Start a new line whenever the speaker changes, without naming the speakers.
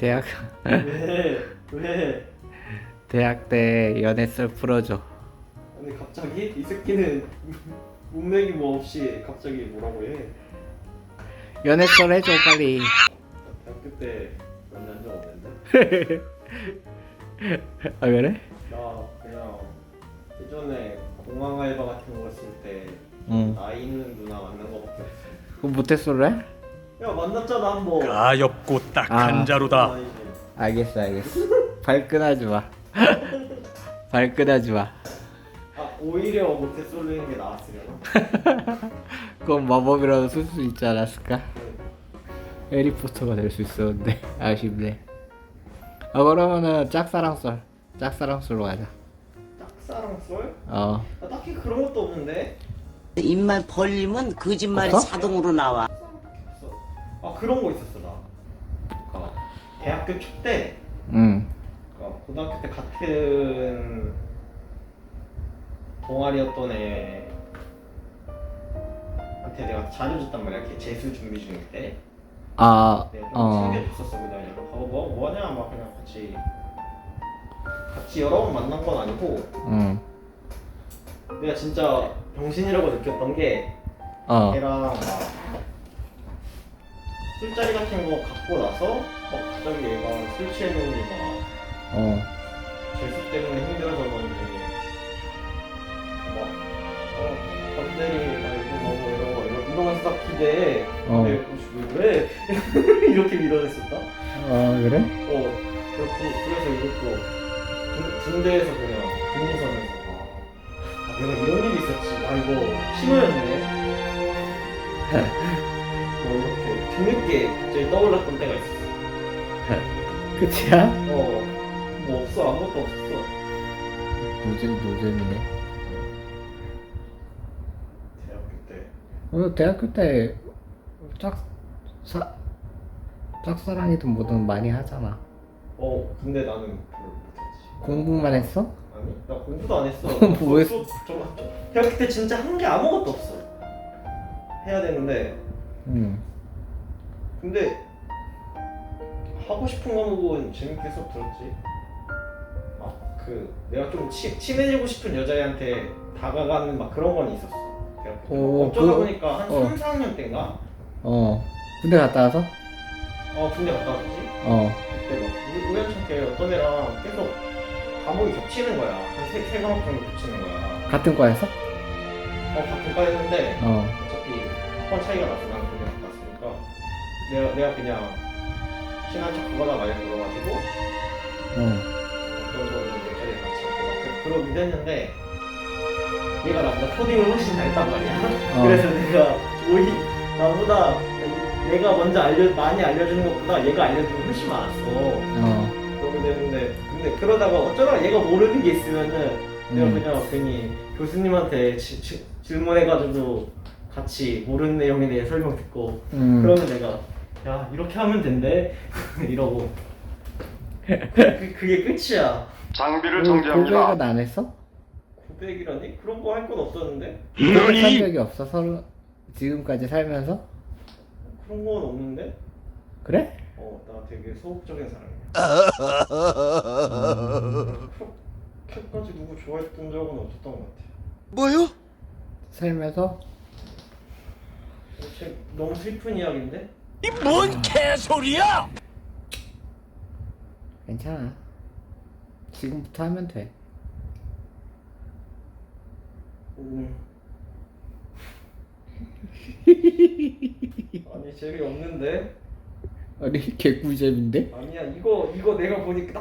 대학
왜? 왜?
대학 때 연애 썰 풀어줘.
근데 갑자기 이 새끼는 문맥이 뭐 없이 갑자기 뭐라고 해?
연애 썰 해줘 빨리.
대학교 때 만난 적 없는데?
아 그래?
나 그냥 예전에 공항 알바 같은 거 했을 때
응.
나이 있는 누나 만난 거밖에 없어.
그럼 모태솔로 해?
야 만났잖아 한 번.
가엾고 딱한 자루다.
아니지.
알겠어. 발끈하지 마. 발끈하지 마.
아 오히려 못해 쏠리는 게 나았으려나?
그건 마법이라도 쓸 수 있지 않았을까? 해리포터가 될 수 있었는데 아쉽네. 아 그러면은 짝사랑썰로 가자.
짝사랑 쏠?
어.
나 딱히 그런 것도 없는데.
입만 벌리면 거짓말이
없어?
자동으로 나와.
없어. 아 그런 거 있었어 나. 그러니까 대학교 초때
응.
그러니까 고등학교 때 같은 동아리였던 애한테 내가 자주 줬단 말이야. 걔 재수 준비 중일 때.
아
내가 좀
어.
챙겨줬었어 그냥. 뭐하냐 막 그냥 같이 여러 번 만난 건 아니고
응.
내가 진짜 병신이라고 느꼈던 게
어.
걔랑 막 술자리 같은 거 갖고 나서 막 갑자기 얘가 술 취해놓으니 막
어.
재수 때문에 힘들어서 그런지 건드리 말고 이러면서 딱 기대해.
어.
근데 왜 이렇게 밀어냈었다?
아 그래?
그래서 이것도 군대에서 그냥 근무선에서 내가 이런 일이 있었지. 아 이거 신호였네. 이렇게 뒤늦게 갑자기 떠올랐던 때가 있었어.
끝이야?
뭐 없어. 아무것도 없었어.
노잼이네.
대학교 때.
대학교 때 짝사랑이든 뭐든 많이 하잖아.
근데 나는 별로 못했지.
공부만 했어?
아니, 나 공부도 안 했어.
뭐 했어?
대학교 때 진짜 한 게 아무것도 없어. 해야 되는데,
응.
근데 하고 싶은 과목은 재밌게 수업 들었지. 내가 좀 친해지고 싶은 여자애한테 다가가는 막 그런 건 있었어. 대학교 때. 어쩌다 보니까 한 3, 4학년 때인가?
군대 갔다 와서?
군대 갔다 왔지. 그때 막 우연찮게 어떤 애랑 계속 과목이 겹치는 거야. 한 세 과목 정도 겹치는 거야.
같은 과에서?
같은 과였는데
어.
어차피 학번 차이가 나서 나는 군대 갔다 왔으니까 내가 그냥 친한 척 그거나 많이 들어가지고 어떤 정도 몇 자리 같이 하고 막 그러긴 했는데 얘가 나보다 코딩을 훨씬 잘했단 말이야. 그래서 내가 나보다 내가 먼저 많이 알려주는 것보다 얘가 알려주는 게 훨씬 많았어. 그러게 되는데 근데 그러다가 어쩌다가 얘가 모르는 게 있으면은 내가 그냥 괜히 교수님한테 질문해가지고 같이 모르는 내용에 대해 설명 듣고 그러면 내가 야 이렇게 하면 된대 이러고 그게 끝이야.
장비를
고백은 안 했어?
고백이라니? 그런 거 할 건 없었는데?
고백한 적이 없어? 서로 지금까지 살면서?
그런 건 없는데?
그래?
나 되게 소극적인 사람이야. 그렇게까지 누구 좋아했던 적은 없었던 것 같아.
뭐요?
살면서?
너무 슬픈 이야기인데?
이 뭔 개소리야?
괜찮아. 지금부터 하면 돼.
아니 재미없는데?
아니 개꿀잼인데?
아니야 이거 내가 보니까